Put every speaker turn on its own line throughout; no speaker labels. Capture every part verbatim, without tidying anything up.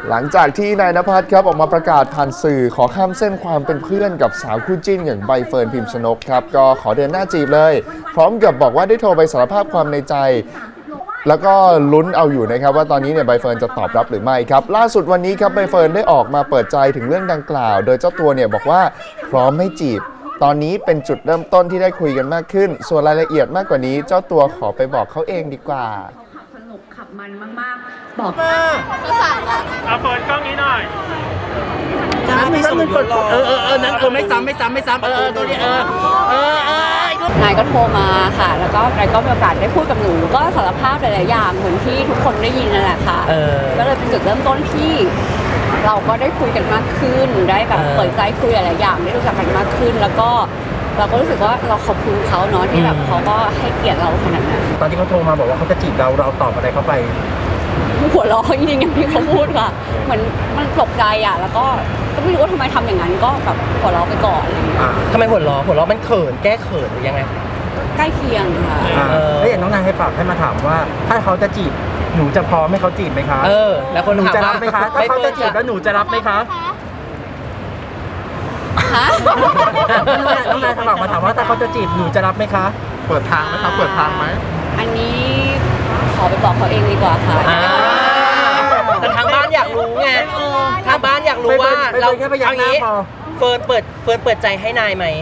หลังจากที่นายณภัทรครับออกมาประกาศผ่านสื่อขอข้ามเส้นความเป็นเพื่อนกับสาวคู่จิ้นอย่างใบเฟิร์นพิมพ์ชนกครับก็ขอเดินหน้าจีบเลยพร้อมกับบอกว่าได้โทรไปสารภาพความในใจแล้วก็ลุ้นเอาอยู่นะครับว่าตอนนี้เนี่ยใบเฟิร์นจะตอบรับหรือไม่ครับล่าสุดวันนี้ครับใบเฟิร์นได้ออกมาเปิดใจถึงเรื่องดังกล่าวโดยเจ้าตัวเนี่ยบอกว่าพร้อมให้จีบตอนนี้เป็นจุดเริ่มต้นที่ได้คุยกันมากขึ้นส่วนรายละเอียดมากกว่านี้เจ้าตัวขอไปบอกเขาเองดีกว่า
ขับสนุกขับมันมากๆบอก
ก็สั่งแล้ว
เอาเฟิร์นกล้องนี้หน่อย
จะไม่ส่งยศเออเออเออนั้นเออไม่ซ้ำไม่ซ้ำไม่ซ้ำเออเออตัวนี้เออเออเออนายก็โทรมาค่ะแล้วก็นายก็มีโอกาสได้พูดกับหนูก็สารภาพหลายๆอย่างเหมือนที่ทุกคนได้ยินนั่นแหละค่ะก็เลยเป็นจุดเริ่มต้นที่เราก็ได้คุยกันมากขึ้นได้แบบเปิดใจคุยหลายๆอย่างได้รู้จักกันมากขึ้นแล้วก็เราก็รู้สึกว่าเราขอบคุณเขาเนาะที่แบบเขาก็ให้เกียรติเราขนาดนั้น
ตอนที่เขาโทรมาบอกว่าเขาจะจีบเราเราตอบอะไรเขาไป
หัวเราะจริงๆอย่างที่เขาพูดค่ะเหมือนมันตกใจอ่ะแล้วก็ก็ไม่รู้ว่าทำไมทำอย่างนั้นก็แบบหัวเราะไปก่อนอะไรอย่างเงี้ย
ทำไมหัวเราะหัวเราะมันเขินแก้เขินหรือยังไง
ใกล้เคียงค่ะ
แล้วอย่างน้องนายให้ฝากให้มาถามว่าถ้าเขาจะจีบหนูจะพร้อมให้เขาจีบไหมคะ
เออแล้วคน
หนูจะรับไหมคะถ้าเขาจะจีบแล้วหนูจะรับไหมคะ
ฮะ
น้องนายฝากมาถามว่าถ้าเขาจะจีบหนูจะรับไหมคะ
เปิดทางไหมครับเปิดทางไหม
อันนี้ขอไปบอกเขาเองดีกว่าค่ะ
แต่ทางบ้านอยากรู้ไงทางบ้านอยากรู้ว่าเราเอางี้เฟิร์นเปิดเฟิร์นเปิดใจให้นายไหม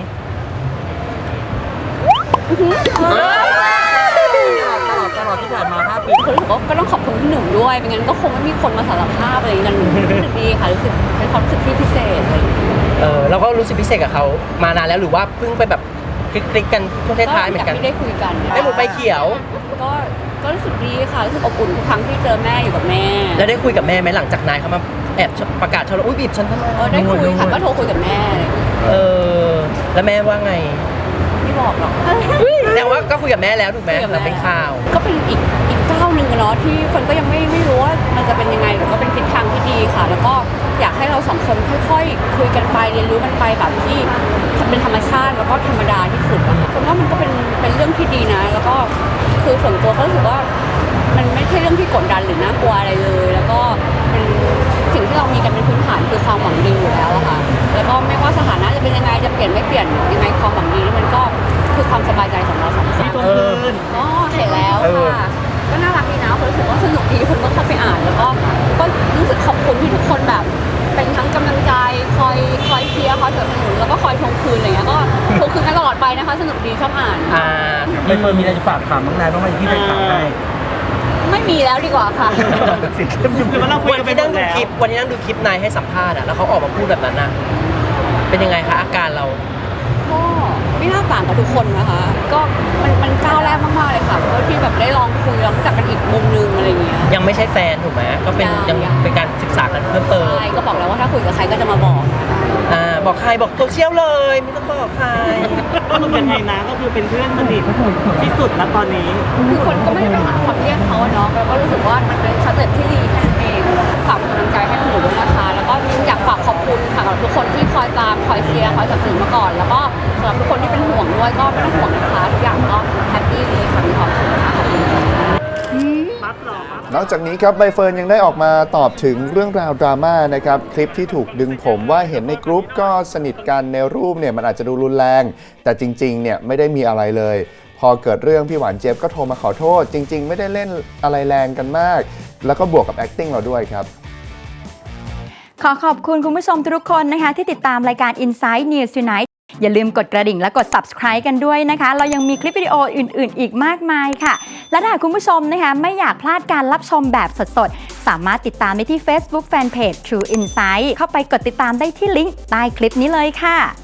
ตลอดตลอดที่ผ่านมาห้าปี
คนรู้สึกว่าก็ต้องขอบคุณพี่หนุ่มด้วยไม่งั้นก็คงไม่มีคนมาสารภาพอะไรกันรู้สึกดีค่ะรู้สึกเป็นความรู้สึกที่พิเศษเลย
เออเราก็รู้สึกพิเศษกับเขามานานแล้วหรือว่าเพิ่งไปแบบคลิกๆกันช่วงท้ายๆเหมือนกัน
ไม่ได้คุยกัน
ได้หมูไฟเขียว
ก็ก็รู้สึกดีค่ะรู้สึกอบอุ่นทุกครั้งที่เจอแม่อยู่กับแม่
แล้วได้คุยกับแม่ไหมหลังจากนายเขามาแอบประกาศชอบอุ้ยบีบฉันทำไม
เออได้คุยค่ะก็โทรคุยกับแม่
เออแล้วแม่ว่าไง
ไม่บอกหรอก
แต่ว่าก็คุยกับแม่แล้วถูกไหมแล้วเป็นข่าว
ก็เป็นอีกอีกก้าวหนึ่งเนาะที่คนก็ยังไม่ไม่รู้ว่ามันจะเป็นยังไงแต่ก็เป็นทิศทางที่ดีค่ะแล้วก็อยากให้เราสองคนค่อยๆคุยกันไปเรียนรู้กันไปแบบที่เป็นธรรมชาติแล้วก็ธรรมดาที่สุดอะค่ะคนว่ามันก็เป็นเป็นเรื่องที่ดีนะแล้วก็คือส่วนตัวก็รู้สึกว่ามันไม่ใช่เรื่องที่กดดันหรือน่ากลัวอะไรเลยแล้วก็เป็นสิ่งที่เรามีกันเป็นพื้นฐานคือความหวังดีอยู่แล้วอะค่ะแล้วก็ไม่ว่าสถานะจะเป็นยังไงจะเปลี่ยนไม่เปลี่ยนยังไงความหวังดีนี่มันก็คือความสบายใจของเราสองคนก็เห็นแล้วค่ะก็น่ารักดีนะคนรู้สึกว่าสนุกดีคนก็เข้าไปอ่านแล้วก็ก็รู้สึกขอบคุณที่ทุกคนแบบเป็นทั้งกำลังใจคอยคอยเชียร์คอยสนับสนุนแล้วก็คอยทวงคืนอะไรเงี้ยก็ทวงคืนกันตลอดไปนะคะสนุกดีชอบอ่าน
อ่าไม่เคยมีอะไรจะฝากถามน้องนายบ้างไหมที่ไปถามได้
ไม่มีแล้วดีกว่าค่ะ
คือมันเราคุยกันไปนั่งดูคลิปวันนี้นั่งดูคลิปนายให้สัมภาษณ์อะแล้วเขาออกมาพูดแบบนั้นอะเป็นยังไงคะอาการเรา
ก็ไม่น่าต่างกับทุกคนนะคะก็มันมันก้าวแรกมากๆเลยค่ะเพราะที่แบบได้ลองคุยลองรู้จักกันอีกมุมนึงอะไรเงี้ย
ยังไม่ใช่แฟนถูกไหมก็เป็นยังเป็นการศึกษากันเพิ่มเติม
ใช่ก็บอกแล้วว่าถ้าคุยกับใครก็จะมาบอก
อ่าบอกใครบอกโซเชียลเลยไม่ต้องบอกใคร
ก็มันเป็นไงนะก็คือเป็นเพื่อนสนิทที่สุดณตอนนี้
คือคนก็ไม่ได้ไปหาความเรียกเขาเนาะแล้วก็รู้สึกว่ามันเป็นสเต็ปที่ดีแค่นั้นเองฝากกำลังใจให้หนูด้วยนะคะแล้วก็อยากฝากขอบคุณค่ะกับทุกคนที่คอยตามคอยเชียร์คอยสนับสนุนมาก่อนแล้วก็สำหรับทุกคนที่เป็นห่วงด้วยก็ไม่ต้องห่วงนะคะทุกอย่างก็แฮปปี้เลยค่ะมีความสุขค่ะขอบคุณค่ะ
นอกจากนี้ครับใบเฟิร์นยังได้ออกมาตอบถึงเรื่องราวดราม่านะครับคลิปที่ถูกดึงผมว่าเห็นในกรุ๊ปก็สนิทกันในรูปเนี่ยมันอาจจะดูรุนแรงแต่จริงๆเนี่ยไม่ได้มีอะไรเลยพอเกิดเรื่องพี่หวานเจี๊ยบก็โทรมาขอโทษจริงๆไม่ได้เล่นอะไรแรงกันมากแล้วก็บวกกับ acting เราด้วยครับ
ขอขอบคุณคุณผู้ชมทุกคนนะคะที่ติดตามรายการ Inside News Tonight อย่าลืมกดกระดิ่งและกด Subscribe กันด้วยนะคะเรายังมีคลิปวิดีโออื่นๆอีกมากมายค่ะและถ้าคุณผู้ชมนะคะไม่อยากพลาดการรับชมแบบสดๆสามารถติดตามได้ที่ Facebook Fanpage True Insight เข้าไปกดติดตามได้ที่ลิงก์ใต้คลิปนี้เลยค่ะ